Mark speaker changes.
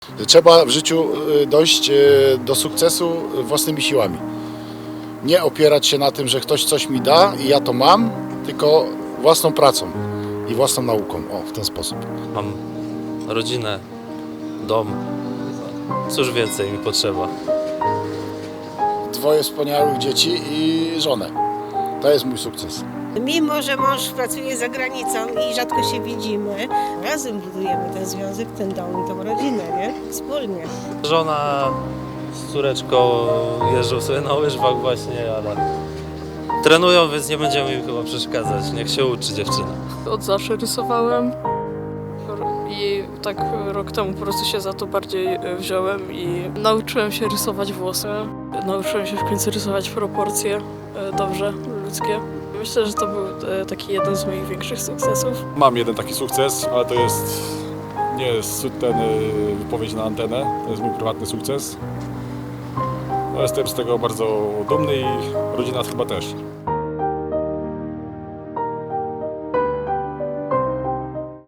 Speaker 1: Trzeba w życiu dojść do sukcesu własnymi siłami. Nie opierać się na tym, że ktoś coś mi da i ja to mam, tylko własną pracą i własną nauką. O, w ten sposób.
Speaker 2: Mam rodzinę, dom. Cóż więcej mi potrzeba?
Speaker 1: Dwoje wspaniałych dzieci i żonę. To jest mój sukces.
Speaker 3: Mimo że mąż pracuje za granicą i rzadko się widzimy, razem budujemy ten związek, ten dom i tą rodzinę, nie? Wspólnie.
Speaker 2: Żona z córeczką jeżdżą sobie na łyżwach właśnie, ale trenują, więc nie będziemy im chyba przeszkadzać. Niech się uczy dziewczyna.
Speaker 4: Od zawsze rysowałem i tak rok temu po prostu się za to bardziej wziąłem i nauczyłem się rysować włosy. Nauczyłem się w końcu rysować proporcje dobrze, ludzkie. Myślę, że to był taki jeden z moich większych sukcesów.
Speaker 5: Mam jeden taki sukces, ale to nie jest wypowiedź na antenę, to jest mój prywatny sukces. No, jestem z tego bardzo dumny i rodzina chyba też.